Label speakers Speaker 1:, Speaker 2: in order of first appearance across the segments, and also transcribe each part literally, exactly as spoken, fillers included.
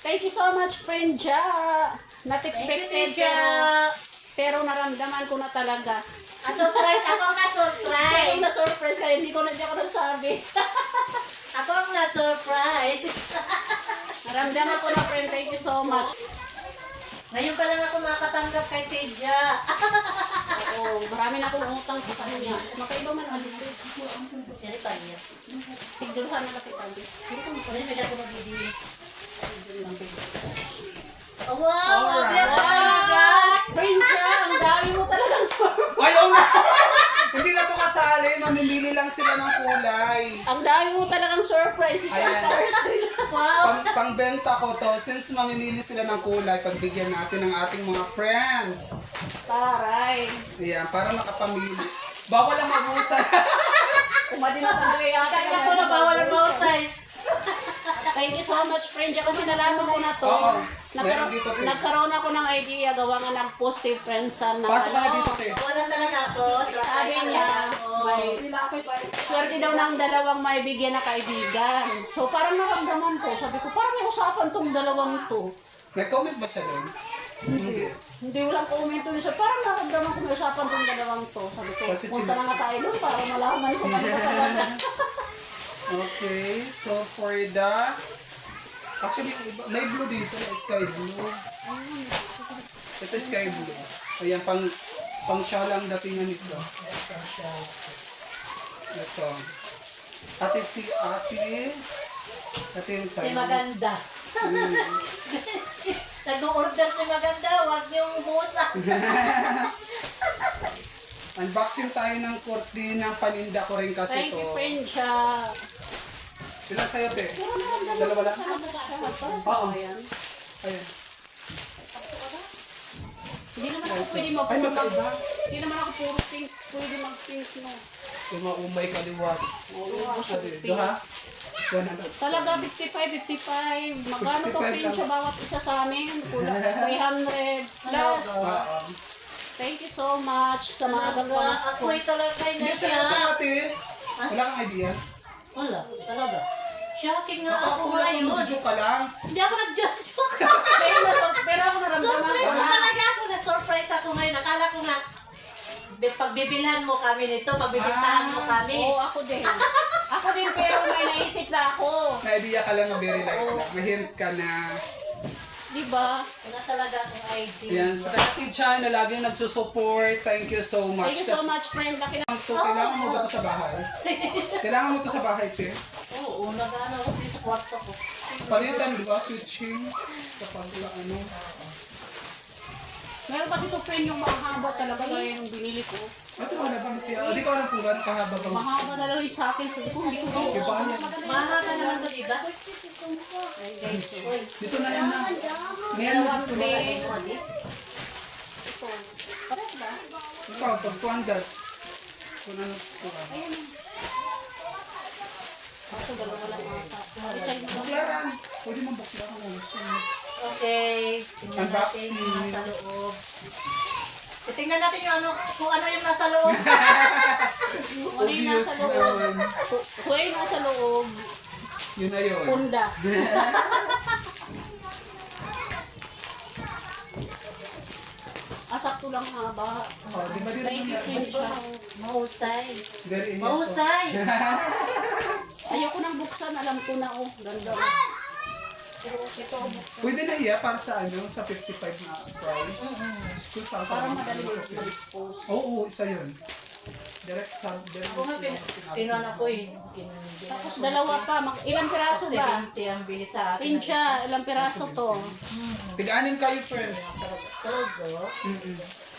Speaker 1: Thank you so much, friend Ja. Not expected,
Speaker 2: Thank you,
Speaker 1: pero, pero naramdaman ko na talaga.
Speaker 2: Ah, surprise! Ako ang na-surprise!
Speaker 1: Kaya na-surprise ka, hindi ko na di ako nasabi.
Speaker 2: Ako ang na-surprise!
Speaker 1: Naramdaman ko na, friend. Thank you so much.
Speaker 2: Ngayon pa lang ako makatanggap kay Tidja.
Speaker 1: Oo, marami na akong utang sa kanya. Makaiba man ang dito.
Speaker 2: Yan pa niya.
Speaker 1: Tigdulhan na kita. Hindi ko
Speaker 2: Ano yung medyo ako magbibili? Oh, wow!
Speaker 1: Alright.
Speaker 2: Alright! Alright!
Speaker 1: Friend Ja, ang dami mo talagang surprise.
Speaker 3: Ayaw na! Hindi na to kasali, mamimili lang sila ng kulay.
Speaker 1: Ang dami mo talagang surprise. Isang
Speaker 3: Ayan.
Speaker 1: parcel.
Speaker 2: Wow!
Speaker 3: Pang, pangbenta ko to, since mamimili sila ng kulay, pagbigyan natin ng ating mga friend.
Speaker 1: Taray.
Speaker 3: Ayan, para makapamili. Bawal ang mabusan.
Speaker 1: Umadi na talaga yata.
Speaker 2: Kaya ko na bawal ang mausay.
Speaker 1: Thank you so much, friend. Ja, kasi nalaman ko na to.
Speaker 3: Oo.
Speaker 1: Nagkaroon,
Speaker 3: Meron dito, te.
Speaker 1: nagkaroon ako ng idea. Gawa nga ng positive friends sa na.
Speaker 3: Pasok ka na dito, te.
Speaker 2: Wala talaga ako.
Speaker 1: Sabi niya, may swerte daw ng dalawang may bigyan na kaibigan. So parang naramdaman ko. Sabi ko, parang may usapan tong dalawang to.
Speaker 3: Nag-comment ba siya doon? Hindi.
Speaker 1: Hindi walang komento niya. So, parang naramdaman ko may usapan tong dalawang to. Sabi ko,
Speaker 3: Kasi
Speaker 1: punta na nga tayo doon para malaman ko ano talaga.
Speaker 3: Okay, so for the... Actually, iba- may blue dito, may sky blue. Ito sky blue. Ayan, pang, pang siya lang datingan nito. Ito. Ate si ate. Ate yung
Speaker 2: Si
Speaker 3: sa'yo.
Speaker 2: Maganda. Nag-order si Maganda. Huwag niyong umusa.
Speaker 3: Unboxing tayo ng kurtina, paninda ko rin kasi
Speaker 1: Thank
Speaker 3: to.
Speaker 1: you, friend siya.
Speaker 3: Sila sa'yo, te.
Speaker 1: Pero naramdaman
Speaker 3: Dalawa lang?
Speaker 1: ko siya.
Speaker 3: Oo.
Speaker 1: Ayan.
Speaker 3: Ayan.
Speaker 1: Hindi naman ako pwede
Speaker 3: Ay,
Speaker 1: mag-puro ng...
Speaker 3: magkaiba.
Speaker 1: Hindi naman ako puro pink. Pwede mag-pink, no.
Speaker 3: Yung maumay kaliwat.
Speaker 1: Oo, ako sa
Speaker 3: Ito
Speaker 1: pink.
Speaker 3: ha? Yan ano.
Speaker 1: Talaga, fifty-five, fifty-five. Magkano to,
Speaker 3: fifty-five
Speaker 1: friend
Speaker 3: lang.
Speaker 1: siya bawat isa sa amin? Kulang three hundred plus.
Speaker 3: Oo.
Speaker 1: Thank you so much sa mga
Speaker 2: Talaga,
Speaker 1: kapwas ko.
Speaker 2: ako'y talaga
Speaker 3: Hindi
Speaker 2: na
Speaker 3: sa
Speaker 2: siya.
Speaker 3: sa ate. Wala kang idea?
Speaker 2: Wala, talaga. Shocking nga
Speaker 3: Ako
Speaker 2: ako
Speaker 3: wala
Speaker 2: ngayon.
Speaker 3: kang joke ka lang.
Speaker 2: Hindi ako nag-judge.
Speaker 1: Pero, nas- pero ako naramdaman
Speaker 2: Surprise
Speaker 1: ko
Speaker 2: na
Speaker 1: na.
Speaker 2: talaga ako. Na-surprise ako ngayon. Akala ko nga, bi- pagbibilhan mo kami nito, pagbibintahan mo kami.
Speaker 1: Oo, ako din. Ako din, pero may naisip na ako.
Speaker 3: May idea ka lang na very light lang. May hint ka na.
Speaker 1: Di ba?
Speaker 2: Wala talaga akong idea.
Speaker 3: Yan, sa Kati Chan na laging nagsusupport. Thank you so much.
Speaker 1: Thank you so much, friend. Laki na.
Speaker 3: So, kailangan mo ba ito sa bahay? Kailangan mo ito sa bahay, te?
Speaker 2: Oo, nag-ano ako dito sa kwarto ko.
Speaker 3: Palitan, di ba? Switching. Kapag ano.
Speaker 1: Meron kasi ito, friend, yung mahaba talaga gaya yung binili ko.
Speaker 3: Ito wala bang tiya? O, di ko alam kung gano'ng kahaba bang.
Speaker 1: Mahaba na lang yung sa akin. Sabi ko, hindi ko ito.
Speaker 3: Iba yan.
Speaker 2: Mahal ka naman ito, diba?
Speaker 1: Ay, guys. oh.
Speaker 3: Dito na yan na. Ngayon,
Speaker 1: Dalawang
Speaker 3: dito na.
Speaker 1: bed.
Speaker 2: Ito.
Speaker 1: Ito. Pares ba?
Speaker 3: Ito, pag two hundred. Kung ano, kung ano.
Speaker 1: Ito, dalawa lang ata. Isa yung
Speaker 3: Buklaran. Pwede mong buklaran kung gusto mo.
Speaker 2: Okay. Tingnan natin
Speaker 3: Unboxing.
Speaker 2: yung nasa loob. E, tingnan natin yung ano, kung ano yung nasa loob.
Speaker 1: Kung ano yung
Speaker 3: Obvious
Speaker 1: nasa loob.
Speaker 3: naman.
Speaker 1: Kung ano yung nasa loob.
Speaker 3: Yun na yun.
Speaker 1: Punda. Asakto lang haba.
Speaker 3: Oh, di ba din
Speaker 1: Thank you, friend
Speaker 3: naman?
Speaker 1: siya.
Speaker 2: Mahusay.
Speaker 3: Very init.
Speaker 2: Mahusay.
Speaker 1: Ayoko nang buksan. Alam ko na, oh. Ganda. Pero ito,
Speaker 3: Pwede na iya para sa ano, sa fifty-five na price. School sa
Speaker 1: parang madali ko ma-dispose.
Speaker 3: Oo, isa yun. Direct sa direct.
Speaker 2: Ako nga, pin- pinuan ako eh. Kin-
Speaker 1: Tapos dalawa pa. Mag- ilang piraso ba?
Speaker 2: seventy ang bili sa akin.
Speaker 1: Friend siya. Ilang piraso to?
Speaker 3: Tiga-anim kayo, friend.
Speaker 2: Talaga?
Speaker 3: Mm-mm.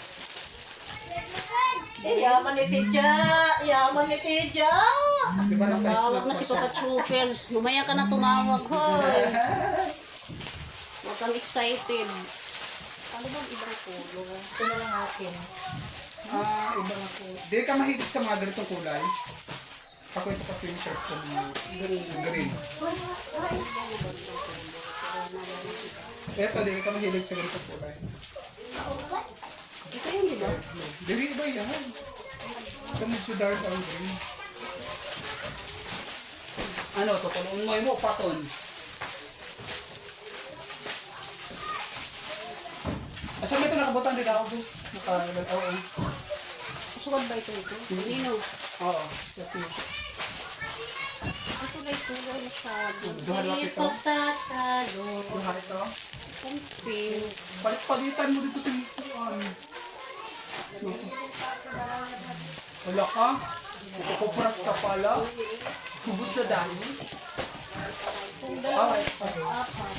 Speaker 2: Eh, yaman ni Tidja! Yaman ni Tidja!
Speaker 3: Di ba naka-snap
Speaker 1: Tawag na
Speaker 3: pa
Speaker 1: si
Speaker 3: siya?
Speaker 1: Papa Chupels. Mamaya ka na tumawag, hoy. Huwag kang excited. Ano bang ibang kulo?
Speaker 2: Ito na lang akin.
Speaker 3: Ah, iba na po. Di ka mahilig sa mga ganitong kulay? Ako ito kasi yung shirt ko ng green. green. Eto, di ka mahilig sa ganitong kulay.
Speaker 1: Ito yun, di ba?
Speaker 3: Di ba yan? Ito medyo dark ang green. Ano, tutulungan mo mo, paton. Asa may ito nakabutang di ka ubos? Naka, oo.
Speaker 1: Suwad ba ito ito? Nino.
Speaker 3: Oo. Ito.
Speaker 1: Ito na ito. Wala masyado.
Speaker 3: Duha lang
Speaker 2: Hindi
Speaker 3: ito.
Speaker 2: po tatalo.
Speaker 3: Duha ito.
Speaker 1: Kumpil.
Speaker 3: Palit-palitan mo dito tinituan. Wala ka? Kupras ka pala? Kubos na dami?
Speaker 1: Kung dalawa.
Speaker 3: Okay.
Speaker 1: Apat.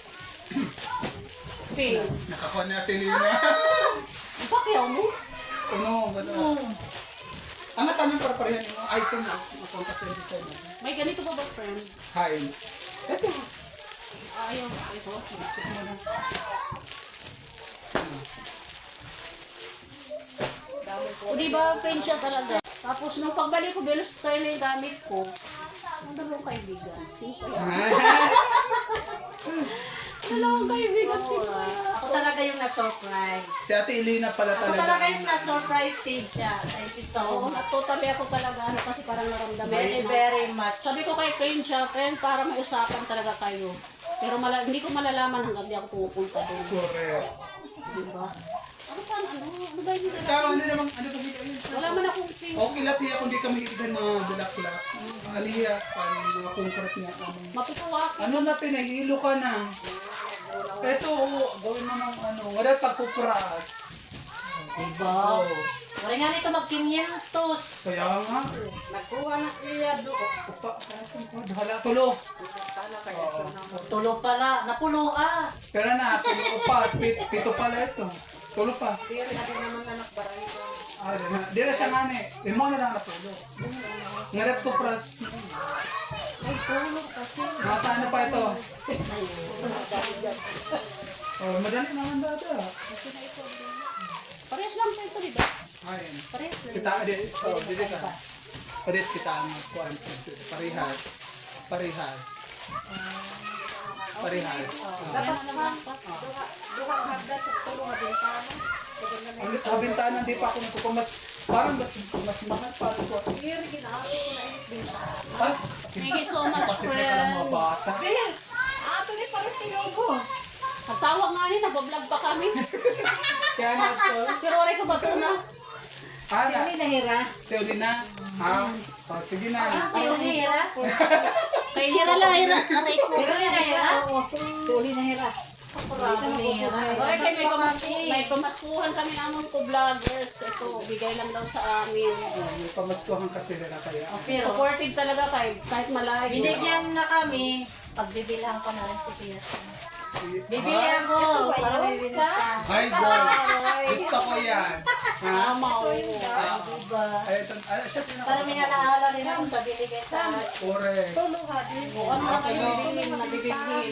Speaker 1: Pink.
Speaker 3: Nakakuha natin yun na.
Speaker 1: Pakyaw mo?
Speaker 3: Ano? Gano'n. Ang natanong para parehan yung item mo. Ako kasi yung design mo.
Speaker 1: May ganito ba ba, friend?
Speaker 3: Hi. Ito.
Speaker 1: Ayaw. Ito. Check mo na. O diba, friend siya talaga. Tapos nung pagbalik ko, Belo style yung gamit ko. Ang dalawang kaibigan. Sino kaya? Dalawang kaibigan. Sino kaya?
Speaker 2: Ako talaga yung na-surprise.
Speaker 3: Si Ate Elena pala
Speaker 2: Ako
Speaker 3: talaga.
Speaker 2: talaga yung na-surprise stage siya. Thank you so
Speaker 1: Oo,
Speaker 2: much.
Speaker 1: totally ako talaga. Ano, kasi parang naramdaman.
Speaker 2: Very,
Speaker 1: ko na-
Speaker 2: very much.
Speaker 1: Sabi ko kay friend siya, friend, para mausapan talaga kayo. Pero mala, hindi ko malalaman hanggang di ako pumupunta doon.
Speaker 3: Correct.
Speaker 1: Diba? Ano pa, ano? Ano ba yung
Speaker 3: Ikaw, ano namang, ano ba dito?
Speaker 1: Wala man akong friend.
Speaker 3: Okay lang tiya kung di kami itighan mga bulak-bulak. Ang aliya, parang mga concrete niya. Ano,
Speaker 1: Matutuwa ako.
Speaker 3: ano natin, nahilo ka na. Ito, oh, gawin mo ng ano, wala pagpupras.
Speaker 2: Diba?
Speaker 3: Oo.
Speaker 2: Wala nga nito mag-quinientos.
Speaker 3: Kaya nga.
Speaker 2: Nagkuha na iya doon.
Speaker 3: Upa, hala, tulo.
Speaker 2: Tulo pala. Napulo ah.
Speaker 3: Pero na, tulo pa, pit, pito pala ito. Tulo pa.
Speaker 2: Hindi natin naman anak barangay.
Speaker 3: Ah, di na, di na siya nga ni. Limo na lang na tulo. Ngaret ko pras.
Speaker 1: Ay, tulog kasi.
Speaker 3: Nasa ano pa ito? Oh, madali naman dati ah.
Speaker 1: Parehas lang sa ito, diba?
Speaker 3: Ayun.
Speaker 1: Parehas lang.
Speaker 3: Kita, di, oh, di ka. Parit kita ang kuan. Parehas. Parehas. Parehas.
Speaker 1: Dapat naman pa.
Speaker 3: Ang kabintanan, di pa ako nagkukuha. Mas, parang mas, mas mahal parang ko. Ah,
Speaker 1: Thank you so much,
Speaker 3: Pasit na ka ng mga
Speaker 1: friend.
Speaker 3: bata.
Speaker 2: Ato ni parang tinubos.
Speaker 1: Ang tawag nga ni, nagbablog pa kami.
Speaker 3: Kaya na ito.
Speaker 1: Pero oray ko ba ito na?
Speaker 3: Ah, na.
Speaker 2: nahira.
Speaker 3: Teoli na. Ha? Oh, sige na.
Speaker 2: Ayaw nahira.
Speaker 1: Kaya hira lang, hira. Aray ko.
Speaker 2: Pero nahira.
Speaker 4: Tuli na hira.
Speaker 2: Kurado nahira.
Speaker 1: Oray kayo, may, pamas may pamaskuhan kami namang ko vloggers. Ito, bigay lang daw sa amin.
Speaker 3: Oh, may pamaskuhan kasi na kaya.
Speaker 2: Pero
Speaker 1: Supportive talaga kayo, kahit malayo.
Speaker 2: binigyan na kami. Pagbibilang ko na rin si Pia. Bibilihan ko. Para may binigyan.
Speaker 3: Hi, girl. Gusto ko yan. Ha?
Speaker 1: Tama, oo.
Speaker 3: Ah,
Speaker 2: Diba?
Speaker 3: ay, ito, ah, siya
Speaker 2: Para may alaala rin ako sa binigay sa akin.
Speaker 3: Correct.
Speaker 1: O, ano na kayo bibilin, nabibigil.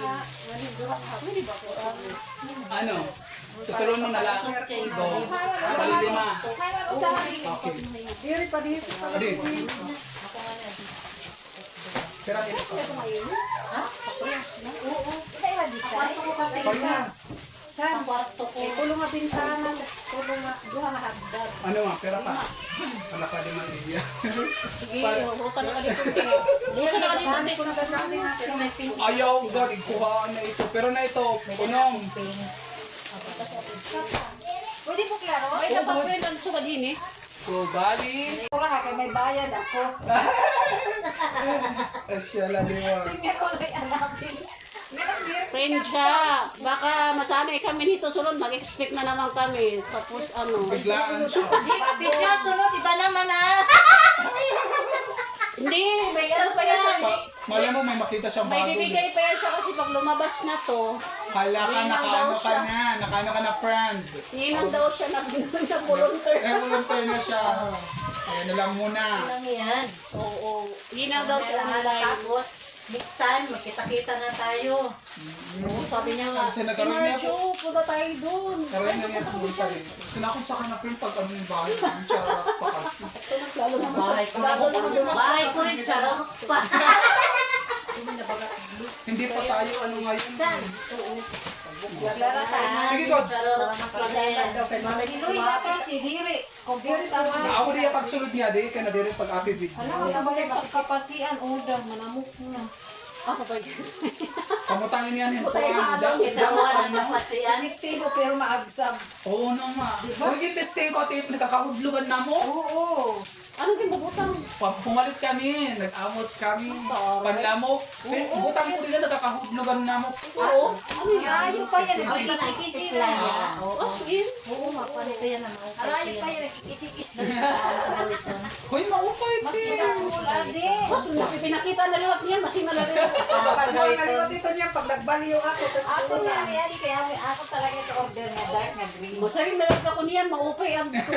Speaker 3: Ano? Tutulong mo na lang. Go. Sa lima. Okay.
Speaker 4: Diri pa dito.
Speaker 3: Adi. Pero ito.
Speaker 4: Kaya nga design.
Speaker 2: Kwarto ko kasi.
Speaker 3: Parehas.
Speaker 2: Ang kwarto ko.
Speaker 4: Tulong nga bintana. Tulong nga. Duha nga hagdag.
Speaker 3: Ano nga, pera pa. Wala pa din iya.
Speaker 1: Sige, hurutan ka dito. Hurutan ka dito.
Speaker 2: Pero may pink.
Speaker 3: Ayaw, gag, ikuhaan na ito. Pero na ito, punong.
Speaker 4: Pwede po klaro?
Speaker 1: Ay, dapat friend, ang sukad din eh.
Speaker 3: So, bali.
Speaker 4: Pura nga kay may bayad ako.
Speaker 3: Asya, laliwa.
Speaker 4: Sige ko may alam din.
Speaker 1: Friend siya. Baka masanay kami nito sunod, mag-expect na naman kami. Tapos ano.
Speaker 3: Biglaan siya.
Speaker 2: Di siya sunod. Iba naman ah.
Speaker 1: Hindi, may ano pa yan siya.
Speaker 3: Pa, mali mo, may makita siyang
Speaker 1: May
Speaker 3: bago.
Speaker 1: bibigay pa yan siya kasi pag lumabas na to,
Speaker 3: Hala ka,
Speaker 1: Ninang
Speaker 3: nakaano
Speaker 1: daw
Speaker 3: ka
Speaker 1: siya.
Speaker 3: na. Nakaano ka na, friend.
Speaker 1: ninang daw siya na volunteer.
Speaker 3: Eh, volunteer na siya. Kaya na lang muna.
Speaker 2: Lang yan.
Speaker 1: Oo, ninang daw siya
Speaker 2: Alaala.
Speaker 1: online.
Speaker 2: Tapos, next time, magkita-kita na tayo.
Speaker 1: Oo, sabi niya nga,
Speaker 3: Kasi nagkaroon niya
Speaker 1: Marjo, punta tayo doon.
Speaker 3: Karoon na niya pumunta rin. Sinakot sa kanap rin pag ano yung bahay. Yung charot pa kasi.
Speaker 1: Lalo na
Speaker 2: Bahay ko
Speaker 1: lalo na
Speaker 2: rin. Bahay ko rin. Charot pa.
Speaker 3: Hindi pa tayo ano ngayon.
Speaker 4: Klara tayo.
Speaker 3: Sige, God.
Speaker 2: Charot pa rin.
Speaker 4: Iloy na kasi diri. Diri tawa.
Speaker 3: Ako diya pagsulod niya, di ka na din pag happy video.
Speaker 4: Ano ka ba yung kapasian? Udang, manamok na.
Speaker 1: Ako ba yun?
Speaker 3: Kamutangin yan yung
Speaker 1: Putay,
Speaker 3: kuwan.
Speaker 1: maabang kita.
Speaker 2: Wala na pati yan.
Speaker 4: Epektibo pero maagsam.
Speaker 3: Oo naman. Huwag yung testing ko, tip, nakakahudlugan na mo.
Speaker 4: Oo.
Speaker 1: Anong kinabutang?
Speaker 3: Pag pumalit kami, nag-amot kami, panlamok. Butang ko nila, nakakahudlugan na mo.
Speaker 1: Oo. Ano yan?
Speaker 4: Arayo pa yan.
Speaker 2: Ay,
Speaker 4: Nagkikisi-kisi
Speaker 2: lang
Speaker 4: na.
Speaker 2: yan.
Speaker 1: Oh,
Speaker 2: Oo.
Speaker 1: sige.
Speaker 2: Oo, mapanito yan naman.
Speaker 4: Arayo pa yan. Nagkikisi-kisi.
Speaker 3: Hoy, maupay,
Speaker 4: Mas
Speaker 3: te.
Speaker 4: mula din.
Speaker 1: Mas pinakita na liwat niyan, mas inalari ako.
Speaker 4: Nalimutan dito niya pag nagbaliw ako. Ako nga niya. Kaya ako talaga ito order na dark na green.
Speaker 1: Masaring nalag ako niyan, maupay ang ko.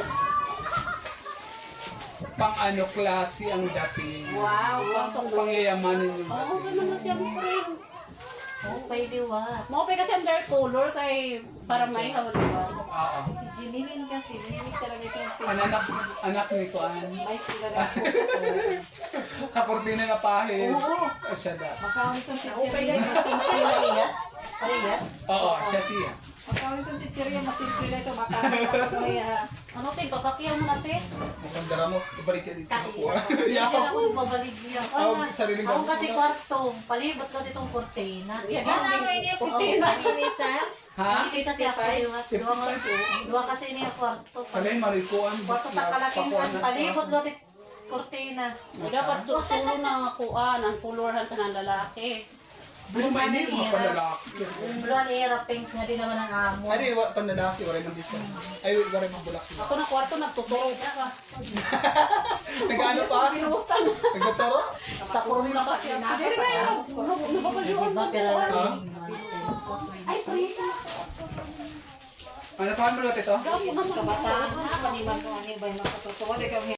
Speaker 3: Pang ano klase ang dating.
Speaker 1: Wow,
Speaker 3: Pang pangyayamanin yung
Speaker 1: Oo,
Speaker 3: dating.
Speaker 1: ganun na siyang friend.
Speaker 2: Oo, pwede wa.
Speaker 1: Maupay kasi ang dark color kay para may hawaliwa.
Speaker 3: Oo.
Speaker 4: Jimilin kasi. Jimilin talaga ito yung pin.
Speaker 3: Anak, anak ni Kuan.
Speaker 4: May sila na ako.
Speaker 3: Kakortina na pahid.
Speaker 4: Oo.
Speaker 3: Ah, Siya da.
Speaker 4: Makawin itong
Speaker 2: Okay,
Speaker 4: chichirya.
Speaker 2: guys, masimple na iyas. Parehas.
Speaker 3: Oo, siya tiya.
Speaker 4: Makawin itong chichirya. Masimple na ito. Makawin ako may ah,
Speaker 1: Ano tayo, babakyan mo natin?
Speaker 3: Mukhang dara mo, ibalik ka dito.
Speaker 2: Kaya.
Speaker 3: Yakap
Speaker 2: Yan
Speaker 3: ko.
Speaker 2: ako babalik niya.
Speaker 3: Ako, sariling
Speaker 2: Ako
Speaker 3: gamit
Speaker 2: kasi
Speaker 3: ko na.
Speaker 2: kwarto. Palibot ko ditong kortina.
Speaker 1: Yes.
Speaker 4: sana may niya putina. Pininisan.
Speaker 3: Ha?
Speaker 2: Hindi kasi ako yung dua ka dua kasi niya kwarto.
Speaker 3: Kanay marikuan.
Speaker 2: Kwarto ta kalaking
Speaker 3: Pakuan
Speaker 2: kan
Speaker 3: na.
Speaker 2: palibot ko dit kortina.
Speaker 1: O dapat susulo na kuan, ang colorhan ka ng lalaki.
Speaker 3: Pero mainit mo panlalaki.
Speaker 2: Bulan era pink nga din naman ang amo.
Speaker 3: Ay, di, wa- panlalaki, wala man design. Ay, wala man bulak.
Speaker 1: Ako na kwarto, nagtuturo ka.
Speaker 3: Nag-ano pa?
Speaker 1: Pinutan.
Speaker 3: Nagtuturo?
Speaker 1: Sa kurong na kasi. Pero ngayon, nababaliwan
Speaker 2: Diba pero
Speaker 3: Ha?
Speaker 4: Ay, please.
Speaker 3: Ano pa ang bulot ito?
Speaker 4: Kabataan na. Maniman ko ano ba yung makatutuwa. Di ka